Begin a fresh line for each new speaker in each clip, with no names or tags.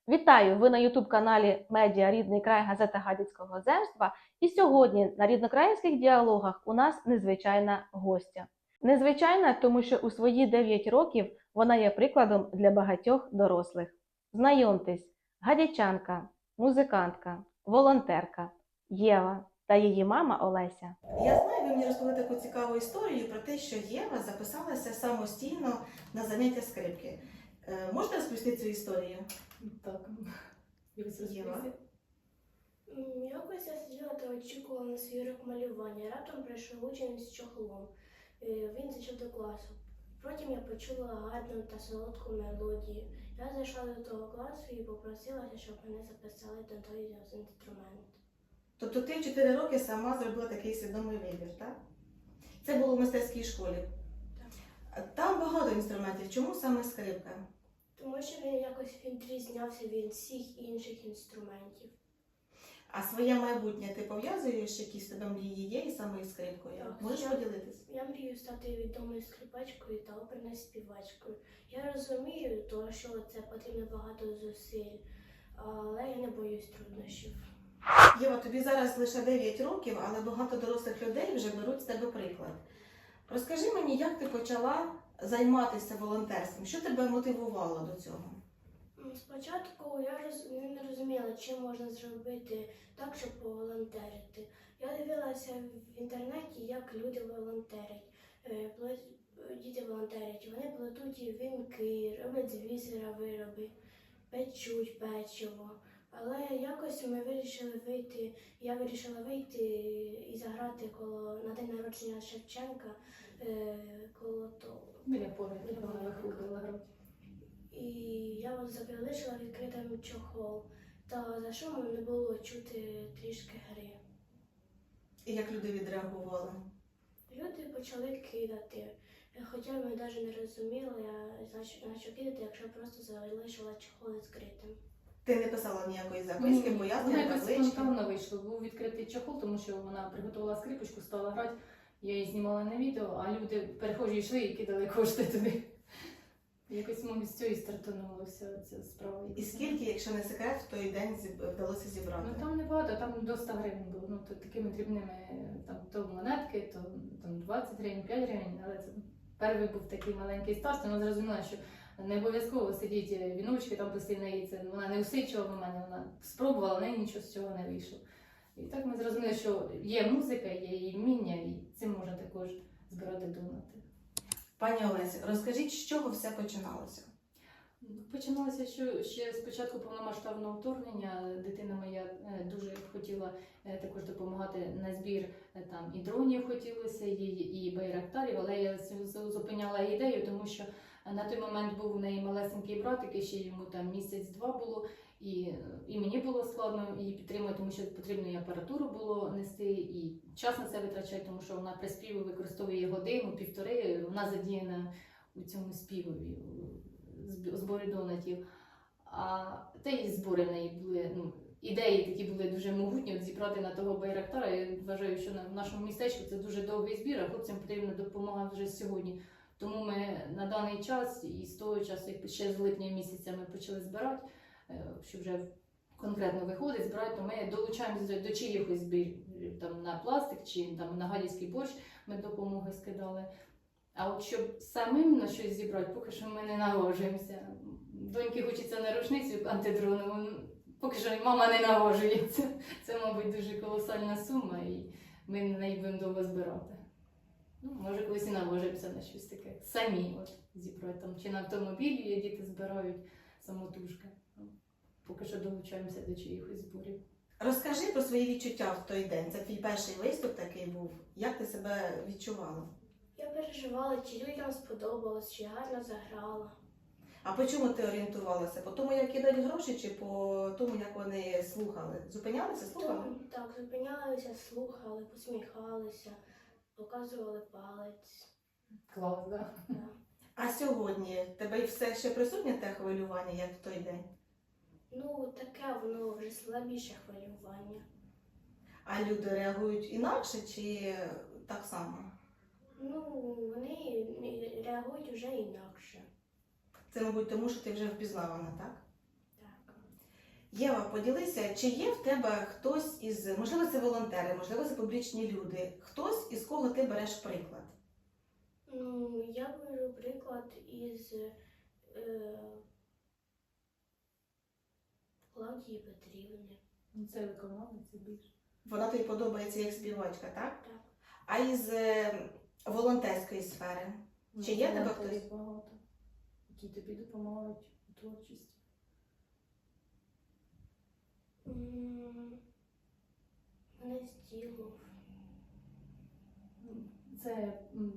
Вітаю! Ви на YouTube-каналі Медіа Рідний край, газета Гадяцького земства. І сьогодні на ріднокраїнських діалогах у нас незвичайна гостя. Незвичайна, тому що у свої 9 років вона є прикладом для багатьох дорослих. Знайомтесь, гадячанка, музикантка, волонтерка Єва та її мама Олеся.
Я знаю, ви мені розповіли таку цікаву історію про те, що Єва записалася самостійно на заняття скрипки. Можете розповісти цю історію?
Так,
Єва?
Якось я сиділа та очікувала на свій урок малювання. Раптом прийшов учень з чохлом. Він зайшов до класу. Потім я почула гарну та солодку мелодію. Я зайшла до того класу і попросилася, щоб мене записали до той інструмент.
Тобто ти в 4 роки сама зробила такий свідомий вибір, так? Це було в мистецькій школі.
Так.
Там багато інструментів. Чому саме скрипка?
Тому що він якось відрізнявся від всіх інших інструментів.
А своє майбутнє ти пов'язуєш, якісь в тебе мрії є, і саме із скрипкою?
Так,
Можеш поділитись?
Я мрію стати відомою скрипачкою та оперною співачкою. Я розумію, що це потрібно багато зусиль, але я не боюсь труднощів.
Єва, тобі зараз лише 9 років, але багато дорослих людей вже беруть з тебе приклад. Розкажи мені, як ти почала займатися волонтерством? Що тебе мотивувало до цього?
Спочатку я не розуміла, чим можна зробити так, щоб поволонтерити. Я дивилася в інтернеті, як люди волонтерять. Діти волонтерять, вони плетуть вінки, роблять з бісера вироби, печуть печиво. Але якось я вирішила вийти і заграти на день народження Шевченка коло того.
біля пам'ятника вона виходила грати.
І я залишила відкритим чохол, та за шумом не було чути трішки гри.
І як люди відреагували?
Люди почали кидати, хоча ми навіть не розуміли, на що кидати, якщо просто залишила чохол відкритим.
Ти не писала ніякої записки,
Вона
пояснення,
якось
таблички?
спонтанно вийшло. Був відкритий чохол, тому що вона приготувала скрипочку, стала грати. Я її знімала на відео, а люди перехожі йшли і кидали кошти туди. Якось, мабуть, з цієї стартанулася ця справа.
І скільки, якщо не секрет, в той день вдалося зібрати?
Ну там небагато, там до 100 гривень було. Ну, то такими дрібними, там то монетки, то там 20 гривень, 5 гривень, але це перший був такий маленький старт, вона зрозуміла, що не обов'язково сидіть віночки, там плести неї, це вона не усичувала в мене, вона спробувала, в неї нічого з цього не вийшло. І так ми зрозуміли, що є музика, є її вміння, і цим можна також збирати донати.
Пані Олесі, розкажіть, з чого все починалося?
Починалося ще з початку повномасштабного вторгнення. Дитина моя дуже хотіла також допомагати на збір там і дронів хотілося, і байрактарів, але я зупиняла ідею, тому що на той момент був у неї малесенький братик, і ще йому там місяць-два було, і мені було складно її підтримувати, тому що потрібно і апаратуру було нести, і час на це витрачати, тому що вона при співі використовує годину-півтори, вона задіяна у цьому співові, у зборі донатів. Та й збори в неї були, ідеї такі були дуже могутні, от зібрати на того байрактара. Я вважаю, що в нашому містечку це дуже довгий збір, а хлопцям потрібна допомога вже сьогодні. Тому ми на даний час і з того часу, як ще з липня місяця ми почали збирати, що вже конкретно виходить, збирати, то ми долучаємося до чиїхось збірів, там на пластик чи там на гадяцький борщ ми допомоги скидали. А от щоб самим на щось зібрати, поки що ми не наважуємося. Доньки хочеться на рушницю антидронову, поки що мама не наважується. Це, мабуть, дуже колосальна сума, і ми на неї будемо довго збирати. Може, колись і наважимося на щось таке. Самі от зібрати там, чи на автомобілі діти збирають самотужки. Поки що долучаємося до чиїхось зборів.
Розкажи про свої відчуття в той день. Це твій перший виступ такий був. Як ти себе відчувала?
Я переживала, чи людям сподобалось, чи гарно заграла.
А по чому ти орієнтувалася? По тому, як кидають гроші, чи по тому, як вони слухали? Зупинялися, слухали?
Так, зупинялися, слухали, посміхалися, показували палець.
Клас, так?
Да.
А сьогодні тебе все ще присутнє те хвилювання, як в той день?
Таке воно вже слабіше хвилювання.
А люди реагують інакше чи так само?
Вони реагують вже інакше.
Це, мабуть, тому, що ти вже впізнавана, так?
Так.
Єва, поділися, чи є в тебе хтось із, можливо, це волонтери, можливо, це публічні люди, хтось, із кого ти береш приклад?
Ну, я беру приклад із Клавдії Петрівни.
Ну, це виконавець більше.
Вона тобі подобається як співачка, так?
Так.
А із волонтерської сфери? Чи є в тебе
Волонтерів
хтось?
багато, які тобі допомагають у творчості.
Гнезділов.
Це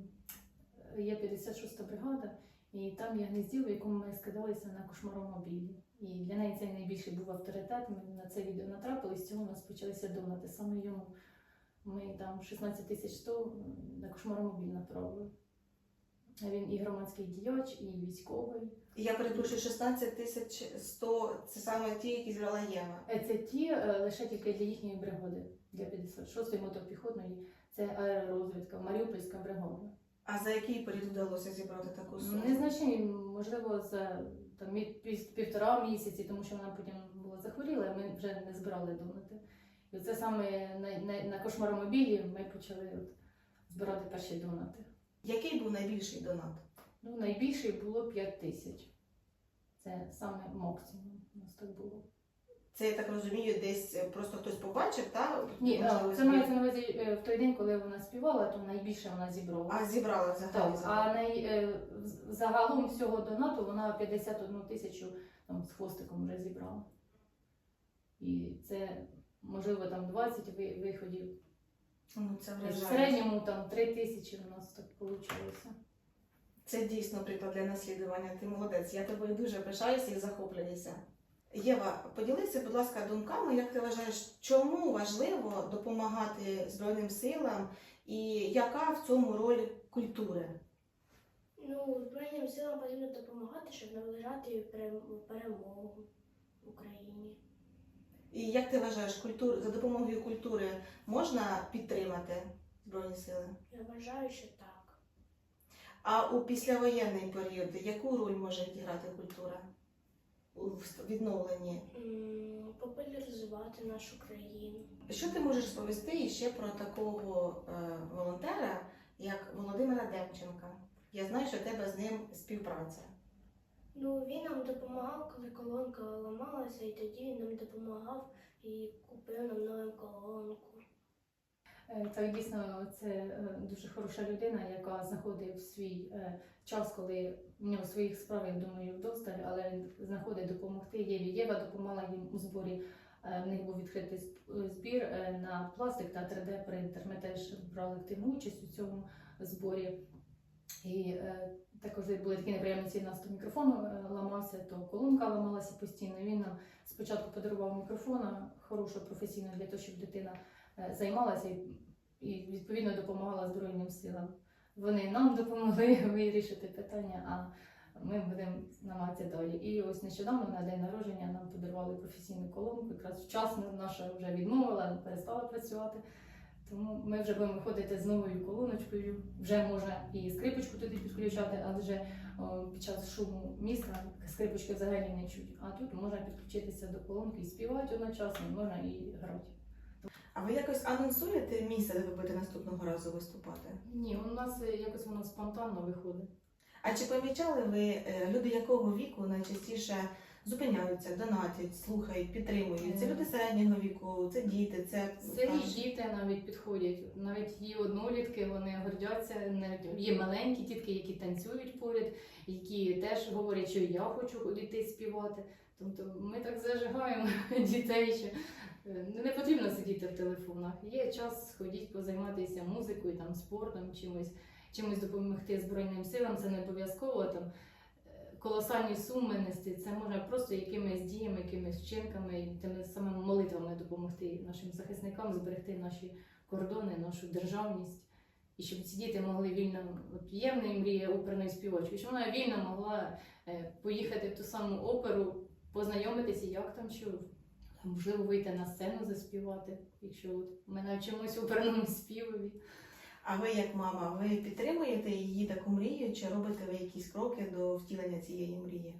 є 56-та бригада, і там є гнізділо, в якому ми скидалися на кошмаромобілі. І для неї це найбільший був авторитет. Ми на це відео натрапили, з цього у нас почалися донати. Саме йому ми там 16 100 на кошмаромобіль направили. Він і громадський діяч, і військовий.
Я перепрошую, 16 100 – це саме ті, які зібрала Єва.
Це ті лише тільки для їхньої бригади, для 56-ї мотопіхотної. Це аеророзвідка, Маріупольська бригада.
А за який період вдалося зібрати таку суму?
Незначний, можливо, за там, півтора місяці, тому що вона потім була захворіла, і ми вже не збирали донати. І це саме на кошмаромобілі ми почали збирати перші донати.
Який був найбільший донат?
Ну, найбільший було 5 тисяч. Це саме максимум у нас так було.
Це, я так розумію, десь просто хтось побачив, так?
Ні,
Можливо,
це мається на увазі в той день, коли вона співала, то найбільше вона зібрала.
А зібрала взагалі?
Так, а загалом всього донату вона 51 тисячу там, з хвостиком вже зібрала. І це, можливо, там 20 виходів.
Ну, це
В
вражає.
середньому там 3 тисячі у нас так вийшло.
Це дійсно приклад для наслідування. Ти молодець. Я тобою дуже пишаюся і захоплююся. Єва, поділися, будь ласка, думками, як ти вважаєш, чому важливо допомагати Збройним силам і яка в цьому роль культури?
Ну, Збройним силам потрібно допомагати, щоб наближати перемогу в Україні.
І як ти вважаєш, за допомогою культури можна підтримати Збройні сили?
Я вважаю, що так.
А у післявоєнний період яку роль може відіграти культура у відновленні?
Популяризувати нашу країну.
Що ти можеш розповісти ще про такого волонтера, як Володимира Демченка? Я знаю, що в тебе з ним співпраця.
Ну, він нам допомагав, коли колонка ламалася, і тоді він нам допомагав і купив нам нову колонку.
Так, дійсно, це дуже хороша людина, яка знаходить свій час, коли в нього своїх справ, я думаю, вдосталь, але знаходить допомогти Єві. Єва допомагала їм у зборі. В них був відкритий збір на пластик та 3D-принтер. Ми теж брали активну участь у цьому зборі. І також були такі неприємності, у нас то мікрофон ламався, то колонка ламалася постійно. Він нам спочатку подарував мікрофон, хорошу, професійну, для того, щоб дитина займалася і відповідно допомагала Збройним силам. Вони нам допомогли вирішити питання, а ми будемо намагатися далі. І ось нещодавно на день народження нам подарували професійну колонку, якраз вчасно наша вже відмовила, перестала працювати. Тому ми вже будемо виходити з новою колоночкою, вже можна і скрипочку туди підключати, адже під час шуму міста скрипочки взагалі не чуть. А тут можна підключитися до колонки і співати одночасно, можна і грати.
А ви якось анонсуєте місце, де ви будете наступного разу виступати?
Ні, у нас якось воно спонтанно виходить.
А чи помічали ви, люди якого віку найчастіше зупиняються, донатять, слухають, підтримують? Це люди середнього віку, це діти, це
Старі діти навіть підходять, навіть є однолітки, вони гордяться, є маленькі дітки, які танцюють поряд, які теж говорять, що я хочу йти співати. Тобто ми так зажигаємо дітей, що не потрібно сидіти в телефонах. Є час сходіть, позайматися музикою, там, спортом, чимось допомогти Збройним силам. Це не обов'язково там колосальні суми нести. Це можна просто якимись діями, якимись вчинками, тими самими молитвами допомогти нашим захисникам зберегти наші кордони, нашу державність. І щоб ці діти могли вільно, от є в неї мрія оперної співачки, щоб вона вільно могла поїхати в ту саму оперу, познайомитися, як там, що можливо вийти на сцену заспівати, якщо от ми навчимось оперному співові.
А ви, як мама, ви підтримуєте її таку мрію, чи робите ви якісь кроки до втілення цієї мрії?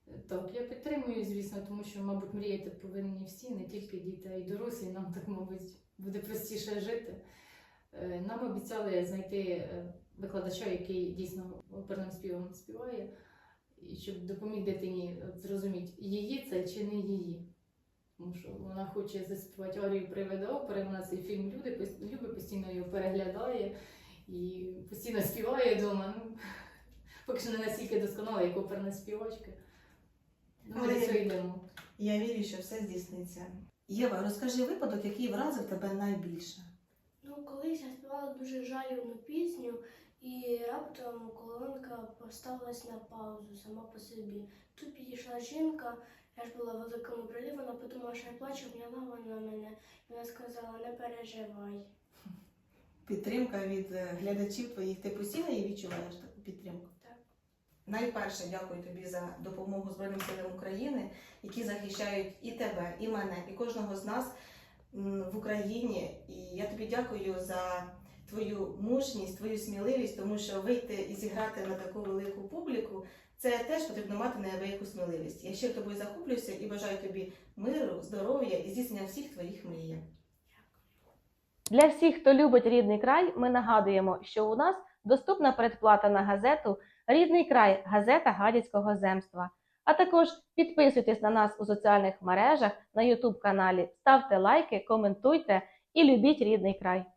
Так, я підтримую, звісно, тому що, мабуть, мріяти повинні всі, не тільки діти, а й дорослі. Нам так, мабуть, буде простіше жити. Нам обіцяли знайти викладача, який дійсно оперним співом співає, і щоб допоміг дитині зрозуміти, її це чи не її. Тому що вона хоче заспівати арію привида опери, вона цей фільм любить, постійно його переглядає і постійно співає вдома. Ну, поки що не настільки досконала, як оперна співачка. Ну, ми
Але
до цього йдемо.
Я вірю, що все здійсниться. Єва, розкажи випадок, який вразив тебе найбільше.
Ну, колись я співала дуже жалібну пісню, і раптом колонка поставилась на паузу сама по собі. Тут підійшла жінка, я ж була в великому прилі, вона подумала, що я плачу, обняла вона мене. Вона сказала, не переживай.
Підтримка від глядачів твоїх. Ти постійно її відчуваєш, таку підтримку?
Так.
Найперше дякую тобі за допомогу Збройним силам України, які захищають і тебе, і мене, і кожного з нас в Україні. І я тобі дякую за твою мужність, твою сміливість, тому що вийти і зіграти на таку велику публіку – це теж потрібно мати неабияку сміливість. Я ще тобою захоплююся і бажаю тобі миру, здоров'я і здійснення всіх твоїх мрій.
Для всіх, хто любить рідний край, ми нагадуємо, що у нас доступна передплата на газету «Рідний край» – газета Гадяцького земства. А також підписуйтесь на нас у соціальних мережах, на YouTube-каналі, ставте лайки, коментуйте і любіть рідний край.